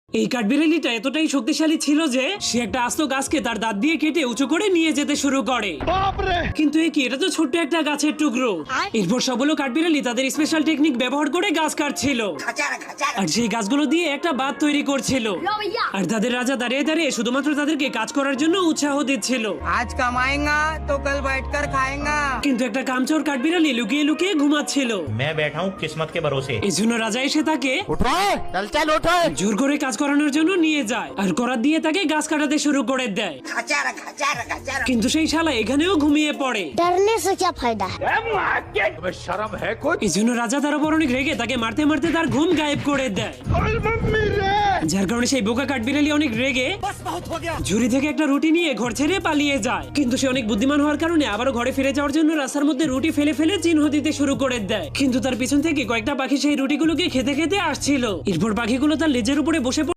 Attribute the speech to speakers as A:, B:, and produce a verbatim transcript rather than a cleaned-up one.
A: এই কাঠবিড়ালিটা এতটাই শক্তিশালী ছিল যে সে একটা আস্ত গাছকে তার দাঁত দিয়ে কেটে উঁচু করে নিয়ে যেতে শুরু করে। কিন্তু এ কি, এটা তো ছোট্ট একটা গাছের টুকরো। এরপর সবগুলো কাঠবিড়ালি তাদের স্পেশাল টেকনিক ব্যবহার করে গাছ কাটছিল আর সেই গাছগুলো দিয়ে একটা বাঁধ তৈরি করছিল। আর তাদের রাজা দাঁড়িয়ে দাঁড়িয়ে শুধুমাত্র তাদেরকে কাজ করার জন্য উৎসাহ দিচ্ছিল।
B: আজ কামায়েঙ্গা তো কাল बैठकर खाएंगा।
A: কিন্তু একটা কামচোর কাঠবিড়ালি লুকিয়ে লুকিয়ে ঘুমাচ্ছিল।
C: मैं बैठा हूँ किस्मत के भरोसे।
A: এই জন্য রাজা এসে তাকে
D: चल चल उठो।
A: জোর করে কাজ করানোর জন্য নিয়ে যায় আর করাত দিয়ে তাকে গাছ কাটাতে শুরু করে দেয়। কিন্তু সেই শালা এখানেও ঘুমিয়ে পড়ে।
E: डरने से क्या फायदा है?
D: शर्म है कुछ?
A: এই জন্য রাজা তার উপর অনেক রেগে তাকে মারতে মারতে তার ঘুম গায়েব করে দেয়। যার কারণে সেই বোকা কাঠবিড়ালি অনেক রেগে ঝুড়ি থেকে একটা রুটি নিয়ে ঘর ছেড়ে পালিয়ে যায়। কিন্তু সে অনেক বুদ্ধিমান হওয়ার কারণে আবারও ঘরে ফিরে যাওয়ার জন্য রাস্তার মধ্যে রুটি ফেলে ফেলে চিহ্ন দিতে শুরু করে দেয়। কিন্তু তার পিছন থেকে কয়েকটা পাখি সেই রুটিগুলোকে খেতে খেতে আসছিল। এরপর পাখিগুলো তার লেজের উপরে বসে